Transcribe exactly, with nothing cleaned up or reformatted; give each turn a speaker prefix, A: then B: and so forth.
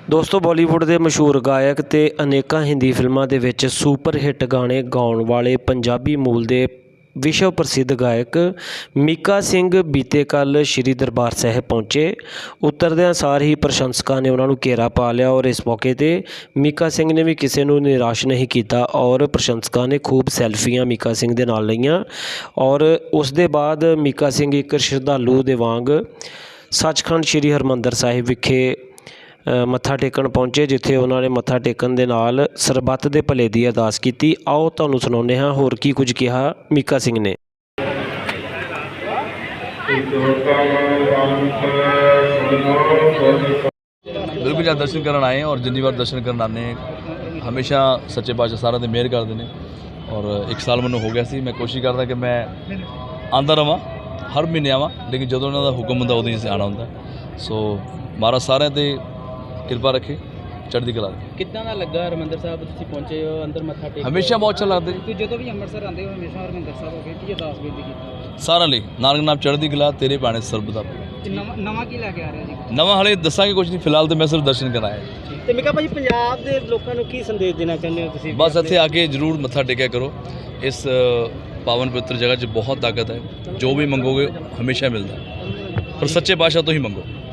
A: ਦੋਸਤੋ ਬਾਲੀਵੁੱਡ ਦੇ ਮਸ਼ਹੂਰ ਗਾਇਕ ਤੇ ਅਨੇਕਾਂ ਹਿੰਦੀ ਫਿਲਮਾਂ ਦੇ ਵਿੱਚ ਸੁਪਰ ਹਿੱਟ ਗਾਣੇ ਗਾਉਣ ਵਾਲੇ ਪੰਜਾਬੀ ਮੂਲ ਦੇ ਵਿਸ਼ਵ ਪ੍ਰਸਿੱਧ ਗਾਇਕ ਮੀਕਾ ਸਿੰਘ ਬੀਤੇ ਕੱਲ੍ਹ ਸ਼੍ਰੀ ਦਰਬਾਰ ਸਾਹਿਬ ਪਹੁੰਚੇ। ਉਤਰਦਿਆਂ ਸਾਰ ਹੀ ਪ੍ਰਸ਼ੰਸਕਾਂ ਨੇ ਉਹਨਾਂ ਨੂੰ ਘੇਰਾ ਪਾ ਲਿਆ ਔਰ ਇਸ ਮੌਕੇ 'ਤੇ ਮੀਕਾ ਸਿੰਘ ਨੇ ਵੀ ਕਿਸੇ ਨੂੰ ਨਿਰਾਸ਼ ਨਹੀਂ ਕੀਤਾ ਔਰ ਪ੍ਰਸ਼ੰਸਕਾਂ ਨੇ ਖੂਬ ਸੈਲਫੀਆਂ ਮੀਕਾ ਸਿੰਘ ਦੇ ਨਾਲ ਲਈਆਂ ਔਰ ਉਸ ਦੇ ਬਾਅਦ ਮੀਕਾ ਸਿੰਘ ਇੱਕ ਸ਼ਰਧਾਲੂ ਦੇ ਵਾਂਗ ਸੱਚਖੰਡ ਸ਼੍ਰੀ ਹਰਿਮੰਦਰ ਸਾਹਿਬ ਵਿਖੇ ਮੱਥਾ ਟੇਕਣ ਪਹੁੰਚੇ, ਜਿੱਥੇ ਉਹਨਾਂ ਨੇ ਮੱਥਾ ਟੇਕਣ ਦੇ ਨਾਲ ਸਰਬੱਤ ਦੇ ਭਲੇ ਦੀ ਅਰਦਾਸ ਕੀਤੀ। ਆਓ ਤੁਹਾਨੂੰ ਸੁਣਾਉਂਦੇ ਹਾਂ ਹੋਰ ਕੀ ਕੁਝ ਕਿਹਾ ਮੀਕਾ ਸਿੰਘ ਨੇ।
B: बिल्कुल जहाँ दर्शन करन आए हैं और जितनी बार दर्शन करन आने हमेशा सच्चे पातशाह सारा दिन मेहर करते हैं और एक साल मैंने हो गया सी मैं कोशिश करता कि मैं आंदा रवां हर महीने आवां, लेकिन जो उन्होंने हुक्म होंगे उदों ही आना होंगे। सो महाराज सारे ते किरपा रखे, चढ़ती कला रखे।
C: कितना ना लगा हरमंदर साहब तुसीं पहुंचे हो अंदर मत्था टेक
B: हमेशा बहुत अच्छा लगता
C: है। जो भी अंमृतसर आते हो हमेशा हरमंदर साहब हो गए की अरदास बेनती की
B: सारा ਲਈ ਨਾਨਕ ਨਾਮ ਚੜ੍ਹਦੀ ਕਲਾ ਤੇਰੇ ਬਾਣੇ ਸਰਬਦਾ।
C: ਨਵਾਂ ਕੀ ਲੈ ਕੇ ਆ ਰਿਹਾ ਜੀ?
B: ਨਵਾਂ ਹਲੇ ਦੱਸਾਂਗੇ ਕੁਝ ਨਹੀਂ, ਫਿਲਹਾਲ ਤਾਂ ਮੈਂ ਸਿਰਫ ਦਰਸ਼ਨ ਕਰਨ ਆਇਆ ਜੀ।
C: ਤੇ ਮੀਕਾ ਭਾਜੀ ਪੰਜਾਬ ਦੇ ਲੋਕਾਂ ਨੂੰ ਕੀ ਸੰਦੇਸ਼ ਦੇਣਾ ਚਾਹੁੰਦੇ ਹੋ ਤੁਸੀਂ?
B: ਬਸ ਇੱਥੇ ਆ ਕੇ ਜ਼ਰੂਰ ਮੱਥਾ ਟੇਕਿਆ ਕਰੋ। ਇਸ ਪਾਵਨ ਪਵਿੱਤਰ ਜਗ੍ਹਾ 'ਚ ਬਹੁਤ ਤਾਕਤ ਹੈ, ਜੋ ਵੀ ਮੰਗੋਗੇ ਹਮੇਸ਼ਾ ਮਿਲਦਾ, ਪਰ ਸੱਚੇ ਪਾਤਸ਼ਾਹ ਤੋਂ ਹੀ ਮੰਗੋ।